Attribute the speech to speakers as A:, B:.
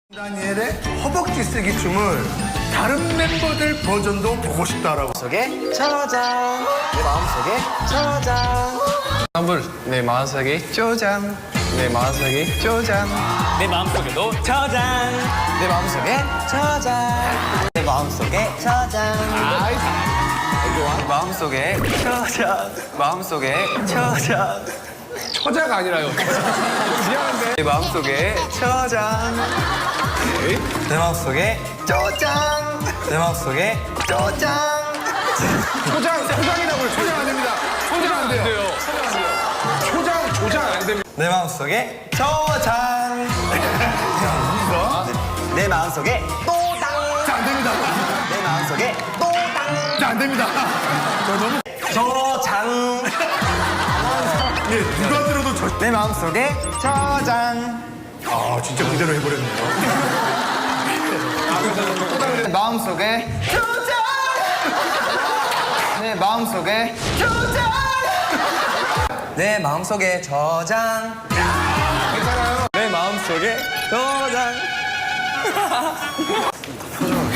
A: 다니엘의 허벅지 쓰기 춤을 다른 멤버들 버전도 보고 싶다라고.
B: 속에 저장 내 마음속에 저장
C: 환불 내 마음속에 쪼장 내 마음속에 쪼장
D: 내 마음속에도 저장.
B: 내 마음속에 저장 내 마음속에 저장 마음속에 저장 마음속에 저장
C: 처자가 아니라요. 미안한데.
B: 내 마음속에 저장 내 마음속에 저장 내 마음속에 저장
A: 초장이라고요. 초장 안 됩니다. 초장 안 돼요. 조장 안 됩니다.
B: 내 마음속에 저장 내 마음속에 또당
A: 자, 안 됩니다.
B: 내 마음속에 또당
A: 자, 안 됩니다.
B: 저장
A: 예, 누가 들어도
B: 내 마음속에 저장
A: 아, 진짜 그대로 해버렸네요.
B: 내 마음속에 저장 내 마음속에 저장 내 마음속에 저장 내 마음속에 저장